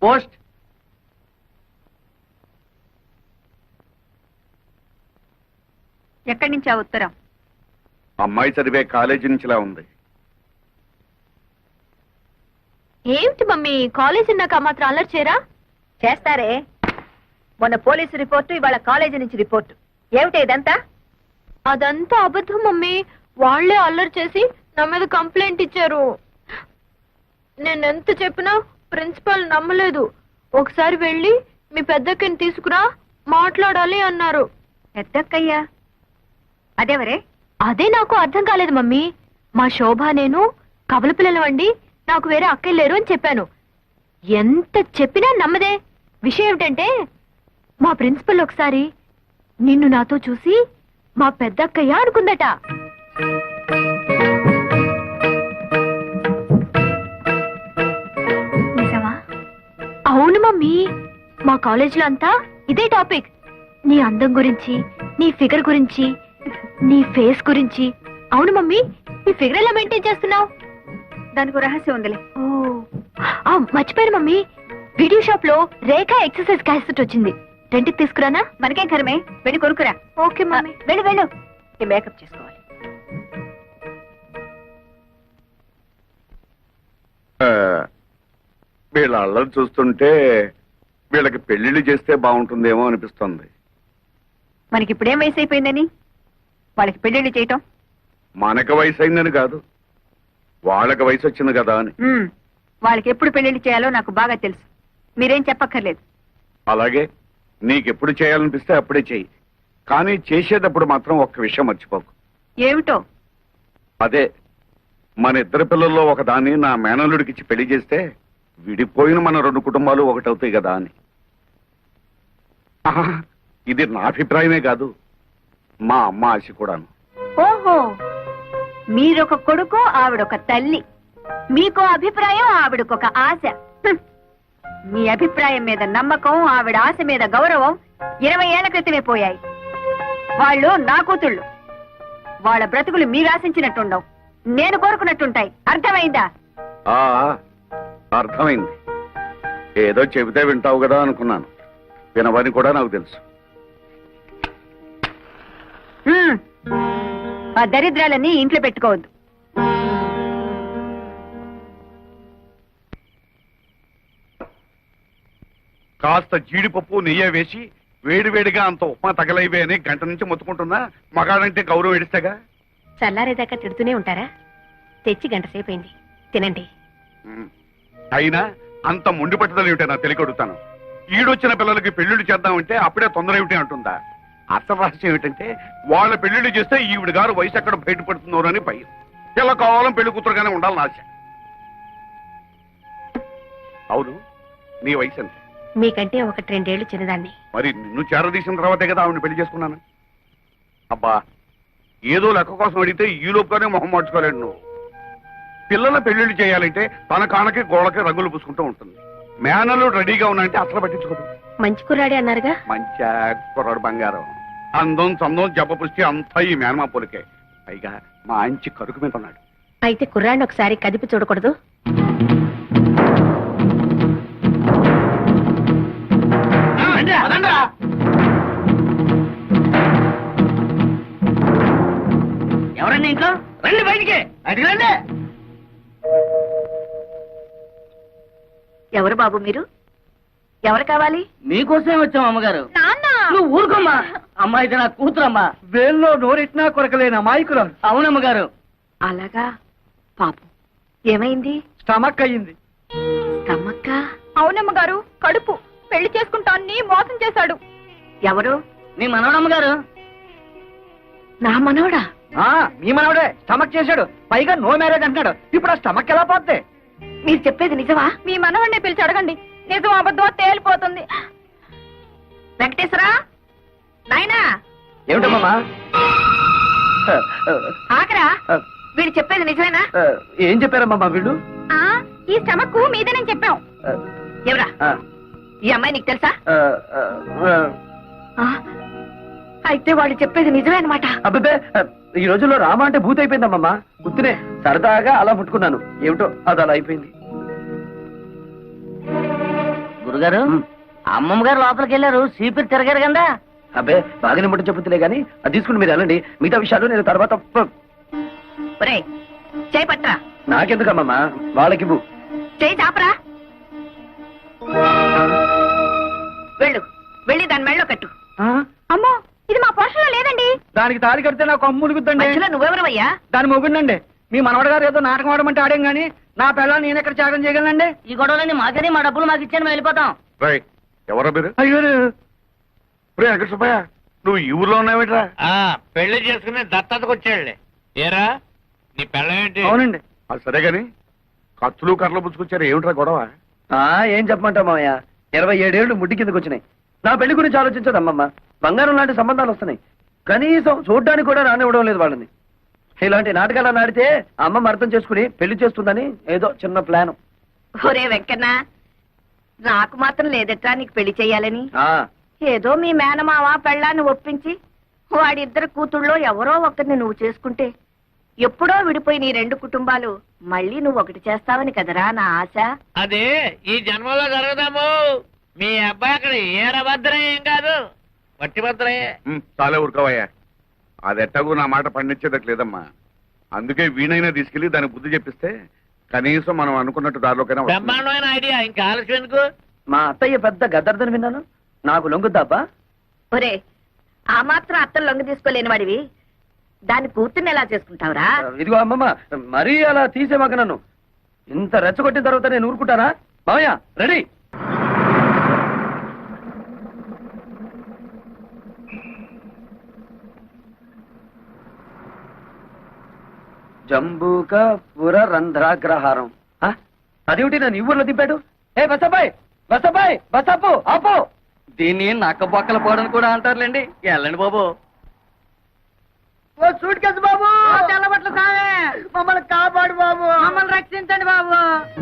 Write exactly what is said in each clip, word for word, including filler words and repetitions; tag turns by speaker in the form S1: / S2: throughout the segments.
S1: Post.
S2: ఎక్కడి నుంచి ఆ ఉత్తరం?
S3: అమ్మాయి చదివే కాలేజీ నుంచిలా ఉంది.
S4: ఏమిటి మమ్మీ, కాలేజీ నాకు మాత్రం అల్లరి చేయరా?
S2: చేస్తారే. మొన్న పోలీసు రిపోర్టు, ఇవాళ కాలేజీ నుంచి రిపోర్టు. ఏమిటి ఇదంతా?
S4: అదంతా అబద్ధం మమ్మీ. వాళ్లే అల్లరి చేసి నా మీద కంప్లైంట్ ఇచ్చారు. నేనెంత చెప్పినా ప్రిన్సిపాల్ నమ్మలేదు. ఒకసారి వెళ్ళి మీ పెద్దక్కని తీసుకురా, మాట్లాడాలి అన్నారు.
S2: పెద్దక్కయ్యా? అదేవరే?
S4: అదే నాకు అర్థం కాలేదు మమ్మీ. మా శోభ నేను కబల పిల్లలవండి, నాకు వేరే అక్కయ్య లేరు అని చెప్పాను. ఎంత చెప్పినా నమ్మదే. విషయం ఏమిటంటే మా ప్రిన్సిపల్ ఒకసారి నిన్ను నాతో చూసి మా పెద్దక్కయ్య అనుకుందట.
S2: నిజమా?
S4: అవును మమ్మీ, మా కాలేజీలో అంతా ఇదే టాపిక్. నీ అందం గురించి, నీ ఫిగర్ గురించి, నీ ఫేస్ గురించి. అవును మమ్మీ, నీ ఫిగర్ ఎలా మెయింటైన్ చేస్తున్నావు?
S2: దానికి రహస్యం ఉందిలే.
S4: ఓ మర్చిపోయాను మమ్మీ, వీడియో షాప్ లో రేఖ ఎక్సర్సైజ్ క్యాసెట్ వచ్చింది. రెంట్కి తీసుకురానా?
S2: మనకేం కరమే, వెళ్ళి కొనుక్కురా.
S4: Okay mummy.
S2: వెళ్ళు వెళ్ళు, ఈ మేకప్ చేసుకోవాలి.
S3: వీళ్ళ అల్లరి చూస్తుంటే వీళ్ళకి పెళ్లిళ్ళు చేస్తే బాగుంటుందేమో అనిపిస్తుంది.
S2: మనకి ఇప్పుడేం వయసు అయిపోయిందని వాళ్ళకి పెళ్లిళ్ళు చేయటం?
S3: మనకు వయసు అయిందని కాదు, వాళ్ళకి వయసు వచ్చింది కదా అని.
S2: వాళ్ళకి ఎప్పుడు పెళ్లిళ్ళు చేయాలో నాకు బాగా తెలుసు, మీరేం చెప్పక్కర్లేదు.
S3: అలాగే నీకెప్పుడు చేయాలనిపిస్తే అప్పుడే చెయ్యి, కానీ చేసేటప్పుడు మాత్రం ఒక్క విషయం మర్చిపోకు.
S2: ఏమిటో?
S3: అదే, మన ఇద్దరు పిల్లల్లో ఒక దాన్ని నా మేనల్లుడికిచ్చి పెళ్లి చేస్తే విడిపోయిన మన రెండు కుటుంబాలు ఒకటవుతాయి కదా అని. ఆహా, ఇది నా అభిప్రాయమే కాదు, మా అమ్మ ఆశ కూడాను.
S2: ఓహో, మీరొక కొడుకు, ఆవిడొక తల్లి. మీకో అభిప్రాయం, ఆవిడకొక ఆశ. హ్మ్. మీ అభిప్రాయం మీద నమ్మకం, ఆవిడ ఆశ మీద గౌరవం ఇరవై ఏళ్ల క్రితమే పోయాయి. వాళ్ళు నా కూతుళ్ళు. వాళ్ళ బ్రతుకులు మీరు ఆశించినట్టుండవు, నేను కోరుకున్నట్టుంటాయి. అర్థమైందా?
S3: ఆ అర్థమైంది. ఏదో చెబితే వింటావు కదా అనుకున్నాను, వినవని కూడా నాకు తెలుసు.
S2: హ్మ్. ఆ దరిద్రాలన్నీ ఇంట్లో పెట్టుకోవద్దు.
S3: కాస్త జీడిపప్పు నెయ్యి వేసి వేడివేడిగా అంత ఉప్మా తగలైవే అని గంట నుంచి మొత్తుకుంటున్నా. మగాడంటే గౌరవం ఎడిస్తేగా.
S4: చల్లారేదాకా తిడుతూనే ఉంటారా? తెచ్చి గంట సేపు అయింది, తినండి.
S3: అయినా అంత మొండి పట్టుదల ఏమిటో నాకు తెలియకొడుతాను. ఈడొచ్చిన పిల్లలకి పెళ్లిళ్ళు చేద్దామంటే అప్పుడే తొందర ఏమిటి అంటుందా? అసలు రహస్యం ఏమిటంటే వాళ్ళ పెళ్లిళ్ళు చేస్తే ఈవిడ గారు వయసు ఎక్కడ బయటపడుతున్నారు అని భయం. ఇలా కావాలని పెళ్లి కూతురుగానే ఉండాలని ఆశ. అవును, నీ వయసు ఎంత?
S4: మీకంటే ఒకటి రెండేళ్లు చిన్నదాన్ని.
S3: మరి నిన్ను చేరదీసిన తర్వాతే కదా ఆవిడని పెళ్లి చేసుకున్నాను. అబ్బా, ఏదో లెక్క కోసం అడిగితే ఈ లోపుగానే మొహం మార్చుకోలేడు నువ్వు. పిల్లల పెళ్లిళ్ళు చేయాలంటే తన కానకి గోడకి రంగులు పూసుకుంటూ ఉంటుంది. మేనలు రెడీగా ఉన్నాయంటే అసలు పట్టించుకోదు.
S4: మంచి కుర్రాడే అన్నారుగా?
S3: మంచి కుర్రాడు బంగారం. అందం చందం జబ్బ పుష్టి అంతా ఈ మేనమా పొలికే. పైగా మంచి కరుకు మీద ఉన్నాడు.
S4: అయితే కుర్రాడిని ఒకసారి కదిపి చూడకూడదు?
S1: ఎవరండి ఇంట్లో? రండి బయటికి, బయటికి రండి.
S2: ఎవరు బాబు మీరు? ఎవరు కావాలి?
S1: మీకోసమే వచ్చాం అమ్మగారు.
S4: నాన్న,
S1: నువ్వు ఊరుకోమ్మా. అమ్మాయి నా కూతురమ్మా. వేల్లో నోరెట్నా కొరకలేని అమాయకులం. అవునమ్మగారు.
S2: అలాగా? పాపం ఏమైంది?
S1: స్టమక్ అయ్యింది.
S2: తమ్మక్క?
S4: అవునమ్మ గారు, కడుపు. పెళ్లి చేసుకుంటాన్ని మోసం చేశాడు.
S2: ఎవరు?
S1: నీ మనవడమ్మగారు.
S2: నా మనవడా?
S1: మీ మనవడే స్టమక్ చేశాడు. పైగా నో మ్యారేజ్ అంటున్నాడు. ఇప్పుడు ఆ స్టమక్ ఎలా పోతే?
S2: మీరు చెప్పేది నిజమా?
S4: మీ మనవడిని పిలిచి అడగండి, నిజం అబద్ధం తేలిపోతుంది.
S2: వెంకటేశ్వరా, నాయనా.
S1: ఏమిటమ్మా?
S2: ఆకరా, వీడు చెప్పేది నిజమేనా?
S1: ఏం చెప్పారమ్మా వీళ్ళు?
S4: ఈ స్టమక్ మీదేనని చెప్పాం.
S2: ఎవరా ఈ అమ్మాయి? నీకు తెలుసా? అయితే వాళ్ళు చెప్పేది నిజమే అనమాట.
S1: అబ్బే, ఈ రోజుల్లో రామ అంటే భూత అయిపోయిందమ్మా. గుర్తునే సరదాగా అలా ముట్టుకున్నాను. ఏమిటో అది అలా అయిపోయింది. గురుగారు అమ్మమ్మ గారు లోపలికి వెళ్ళారు సీపీ తిరగారు కదా.
S5: అబ్బే బాగానే ముట్ట చెప్పుతులే గానీ అది తీసుకుని మీరు వెళ్ళండి, మిగతా విషయాలు నేను తర్వాత
S2: ఒరేయ్ చేయి పట్రా.
S5: నాకెందుకమ్మమ్మా, వాళ్ళకివ్వు.
S2: చేయి చాపరా. వెళ్ళు వెళ్ళి దాని మెళ్ళో కట్టు. అమ్మో ఇది మా పోషణలో లేదండి.
S1: దానికి తాళి కడితే నాకు అమ్ము ములుగుద్దండి.
S2: మధ్యలో నువ్వెవరవయ్యా?
S1: దాని మొగుండండి. మీ మనవడ గారు ఏదో నాటకం ఆడమంటే ఆడాం గానీ నా పిల్లలు నేను ఎక్కడ త్యాగం చేయగలనండి. ఈ గొడవలన్నీ మాకని మా డబ్బులు మాకు ఇచ్చాను మేము వెళ్ళిపోతాం.
S3: రై ఎవరో మీరు?
S1: అయ్యో
S3: రే వెంకట సుబ్బయ్య, నువ్వు ఈ ఊర్లో ఉన్నావేట్రా?
S6: పెళ్లి చేసుకుని దత్తతకు వచ్చాడులే. ఏరా నీ పెళ్ళమేంటి?
S1: అవునండి.
S3: అది సరే గాని కత్తులు కర్రలు పుచ్చుకొచ్చారు, ఏమిట్రా గొడవ?
S5: ఆ ఏం చెప్పమంటావు మామయ్య, ఇరవై ఏడేళ్లు ముడ్డి కిందకు వచ్చినాయి. నా పెళ్లి గురించి ఆలోచించదు అమ్మమ్మ. బంగారం లాంటి సంబంధాలు వస్తున్నాయి, కనీసం చూడ్డానికి కూడా రానివ్వడం లేదు వాళ్ళని. ఇలాంటి నాటకాలు ఆడితే అమ్మమ్మ అర్థం చేసుకుని పెళ్లి చేస్తుందని ఏదో చిన్న ప్లాన్.
S2: ఒరే వెంకన్న, నాకు మాత్రం లేదట్రా నీకు పెళ్లి చెయ్యాలని.
S5: ఆ
S2: ఏదో మీ మేనమావ పెళ్ళాన్ని ఒప్పించి వాడిద్దరు కూతుళ్ళో ఎవరో ఒకరిని నువ్వు చేసుకుంటే ఎప్పుడో విడిపోయి నీ రెండు కుటుంబాలు మళ్ళీ నువ్వు ఒకటి చేస్తావని కదరా నా ఆశ.
S6: అదే ఈ జన్మలో జరగదాము. మీ అబ్బాయి అక్కడ ఏరభద్రం ఏం కాదు, వట్టి భద్రయే.
S3: ఉమ్, చాలే ఊరుకోవయ్యా. అది ఎట్టకు నా మాట పండించేదట్లేదమ్మా. అందుకే వీణైనా తీసుకెళ్లి దానికి బుద్ధి చెప్పిస్తే కనీసం మనం అనుకున్నట్టు దారిలోకైనా వస్తుంది.
S6: బ్రహ్మాండమైన ఐడియా, ఇంకా ఆలస్యం ఎందుకు?
S5: మా అత్తయ్య పెద్ద గద్దర్దని విన్నాను, నాకు లొంగుద్దాబ్బా?
S2: ఒరే ఆ మాత్రం అత్తలు లొంగ తీసుకోలేని వాడివి దాని కూతుర్ని ఎలా చేసుకుంటావురా?
S5: ఇదిగో అమ్మమ్మ, మరీ అలా తీసేమాక నన్ను. ఇంత రెచ్చగొట్టిన తర్వాత నేను ఊరుకుంటానా? మామయ్య రెడీ. జంబూక పుర రంధ్రాగ్రహారం. ఆ? అదేమిటి నన్ను ఈ ఊర్లో దింపాడు? ఏ బసబాయ్ బసబాయ్ బసపు ఆపో.
S1: దీన్ని నక్క బొక్కల పోవడం కూడా అంటారులేండి. వెళ్ళండి బాబు.
S5: ఓ సూట్ కేసు బాబు,
S1: తెల్లబట్ల సామే
S5: మమ్మల్ని కాపాడు బాబు,
S1: మమ్మల్ని రక్షించండి బాబు.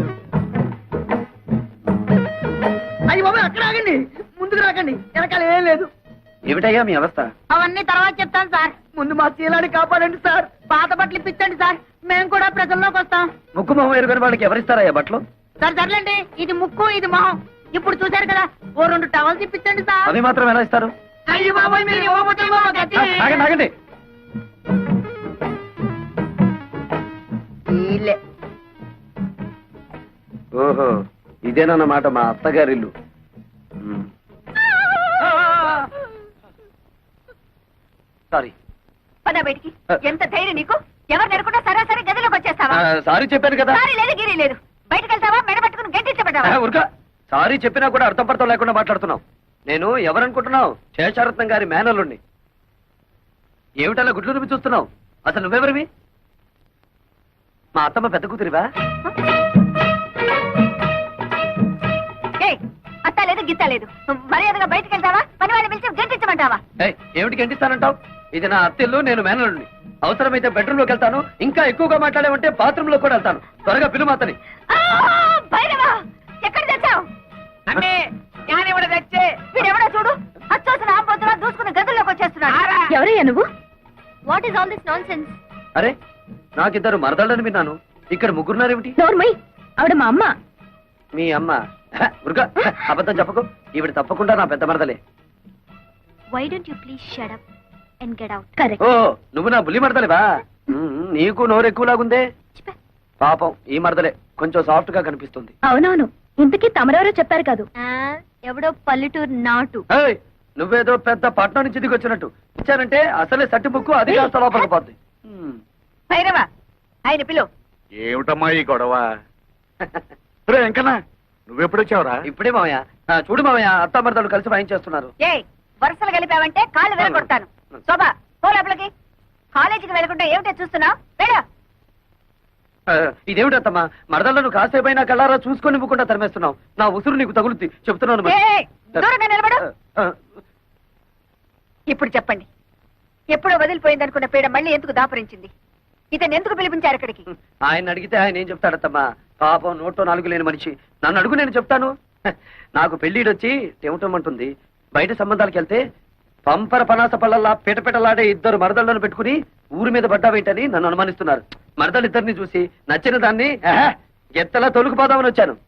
S5: అయ్యి బాబు అక్కడ ఆగండి, ముందుకు రాకండి, వెనకాల ఏం లేదు. ఏమిటయ్యా మీ అవస్థ?
S2: అవన్నీ తర్వాత చెప్తాను సార్.
S5: ముందు మా శీలాన్ని కాపాడండి సార్.
S2: పాత బట్టలు ఇప్పించండి సార్, మేము కూడా ప్రజల్లోకి వస్తాం.
S5: ముక్కు మొహం ఎరుగని వాళ్ళకి ఎవరిస్తారయ్యా బట్టలు?
S2: సార్ సర్లేండి, ఇది ముక్కు ఇది మొహం. ఇప్పుడు చూశారు కదా, ఓ రెండు టవల్స్ ఇప్పించండి సార్.
S5: అవి మాత్రం ఎలా ఇస్తారు?
S2: అయ్యో బాబోయ్, మీరు ఇవ్వకపోతే మాకు గతి.
S5: ఆ, ఆగండి ఆగండి.
S2: వీళ్ళే.
S5: ఓహో ఇదేనన్నమాట మా అత్తగారిల్లు. ఉమ్. సారీ
S2: పద బయటికి. ఎంత ధైర్యం నీకు? ఎవరు నెరకుండా సరాసరి గదిలోకి వచ్చేస్తావా?
S5: ఆ, సారీ చెప్పాను కదా.
S2: సారీ లేదు గిరి లేదు. బయటకు వెళ్తావా, మెడ పట్టుకుని గంటించబడ్డావా?
S5: ఆ, ఉరక సారీ చెప్పినా కూడా అర్థం పడతాం లేకుండా మాట్లాడుతున్నావు. నేను ఎవరనుకుంటున్నావు? శేషారత్నం గారి మేనల్లుండి. ఏమిటలా గుడ్లు రుమి చూస్తున్నావు? అసలు నువ్వెవరివి? మా అత్తమ్మ పెద్ద కూతురివా?
S2: ఏయ్, అత్త లేదు గిత్త లేదు. మర్యాదగా బయటకు వెళ్తావా, పని వాళ్ళని పిలిచి గంటించమంటావా?
S5: ఏయ్, ఏమిటి గంటిస్తానంటావు? ఇది నా అత్తిల్లు, నేను మేనల్లుండి. అవసరమైతే బెడ్రూమ్ లోకి వెళ్తాను, ఇంకా ఎక్కువగా మాట్లాడేమంటే బాత్రూమ్ లో కూడా వెళ్తాను. త్వరగా పిలువు అతని.
S2: ఆ, భైరవా, ఎక్కడ తెచ్చావు?
S6: అంటే జ్ఞానివాడు తెచ్చే
S2: వీడెవడో చూడు, అచ్చోసిన ఆంబోతులా దూసుకుని గదుల్లోకి వచ్చేస్తున్నాడు.
S4: ఎవరయ్యా నువ్వు? What is all this nonsense?
S5: అరే నాకిద్దరు మరదళ్ళని విన్నాను, ఇక్కడ ముగ్గురున్నారేమిటి?
S4: నోర్మై, ఆవిడ మా అమ్మ.
S5: మీ అమ్మ? హ, ఉరుక, హ, అబద్ధం చెప్పకు. ఈవిడ తప్పకుండా నా పెద్ద మరదలే.
S4: Why don't you please shut up and get out? Correct.
S5: ఓ నువ్వు నా బుల్లి మరదలేవా? ఉమ్, నీకు నోరు ఎక్కువలాగుందే. పాపం ఈ మరదలే కొంచెం సాఫ్ట్ గా కనిపిస్తుంది.
S4: అవునవును, ఇంతకీ తమరెవరో చెప్పారు కాదు. ఎవడో పల్లెటూరు నాటు.
S5: ఏయ్, నువ్వేదో పెద్ద పట్నం నుంచి దిగి వచ్చినట్టు ఇచ్చానంటే అసలే సట్టి ముక్కు అది కాస్త లోపలికి పోద్ది. ఉమ్.
S2: భైరవా, ఆయన పిలు.
S3: ఏమిటమ్మా ఈ గొడవ? రే వెంకన్న, నువ్వెప్పుడొచ్చావురా?
S5: ఇప్పుడే మామయ్య. ఆ, చూడు మామయ్య, అత్త మరదలు కలిసి వాయించేస్తున్నారు.
S2: ఏ వరుసలు కలిపావంటే కాళ్ళు వెళ్ళగొడతాను. శోభా, పో లోపలికి. కాలేజీకి వెళ్ళకుండా ఏమిటో చూస్తున్నావు? వెళ్ళు.
S5: ఆ, ఇదేమిటత్తమ్మా, మరదలను కాసేపైనా కళ్ళారా చూసుకొని ఇవ్వకుండా తరిమేస్తున్నావు. నా ఉసురు నీకు తగులుద్ది చెప్తున్నాను మరి.
S2: ఏయ్, దూరంగా నిలబడు.
S5: ఆ,
S2: ఇప్పుడు చెప్పండి, ఎప్పుడో వదిలిపోయిందనుకున్న పీడ మళ్ళీ ఎందుకు దాపరించింది? ఇతను ఎందుకు పిలిపించారు ఇక్కడికి?
S5: ఆయన అడిగితే ఆయన ఏం చెప్తాడత్తమ్మా? పాపం నోట్లో నాలుగు లేని మనిషి. నన్ను అడుగు, నేను చెప్తాను. హ, నాకు పెళ్లిడొచ్చి టెమటమంటుంది. బయట సంబంధాలకు వెళ్తే పంపర పనాస పళ్ళల్లా పిటపిటలాడే ఇద్దరు మరదళ్లను పెట్టుకుని ఊరి మీద పడ్డావేంటని నన్ను అనుమానిస్తున్నారు. మరదలిద్దరిని చూసి నచ్చిన దాన్ని ఆహా, ఎత్తలా తొలుకుపోదామని వచ్చాను.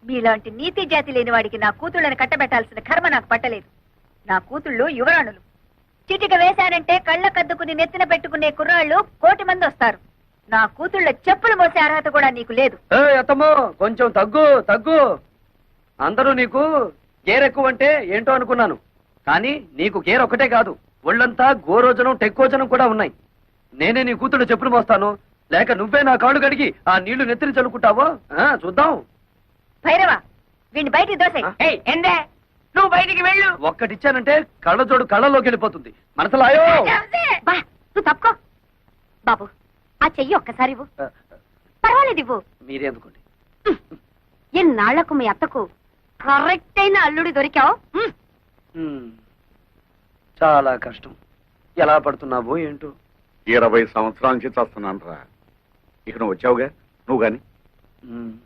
S2: మీలాంటి నీతి జాతి లేని వాడికి నా కూతుళ్ళని కట్టబెట్టాల్సిన కర్మ నాకు పట్టలేదు. నా కూతుళ్ళు యువరాణులు. చిటిక వేశారంటే కళ్ళ కద్దుకుని నెత్తిన పెట్టుకునే కుర్రాళ్ళు కోటి మంది వస్తారు. నా కూతుళ్ళ చెప్పులు మోసే అర్హత కూడా నీకు లేదు.
S5: ఏ అత్తమ్మో, కొంచెం తగ్గు తగ్గు. అందరూ నీకు గేర్ ఎక్కువ అంటే ఏంటో అనుకున్నాను, కానీ నీకు గేర్ ఒకటే కాదు, ఒళ్ళంతా గోరోజనం టెక్కోజనం కూడా ఉన్నాయి. నేనే నీ కూతుళ్ళు చెప్పులు మోస్తాను, లేక నువ్వే నా కాళ్ళు కడిగి ఆ నీళ్లు నెత్తిని చల్లుకుంటావో ఆ, చూద్దాం.
S2: భైరవ, వీడిని బయటికి దోసే.
S1: ఎందే నువ్వు బయటికి వెళ్ళు.
S5: ఒక్కటిచ్చానంటే కళ్ళజోడు కళ్ళలోకి వెళ్ళిపోతుంది. మనసులాయో
S2: బా, నువ్వు తప్పుకో. బాబు, ఆ చెయ్యి ఒక్కసారి ఇవ్వు. పర్వాలేదు, ఇవ్వు.
S5: మీరే అందుకోండి.
S2: ఎన్నాళ్లకు మీ అత్తకు కరెక్ట్ అయిన అల్లుడి దొరికావు.
S5: ఉమ్, చాలా కష్టం. ఎలా పడుతున్నావో ఏంటో.
S3: ఇరవై సంవత్సరాల నుంచి చేస్తున్నాను రా. ఇక నువ్వు వచ్చావుగా, నువ్వు గాని
S5: ఉమ్.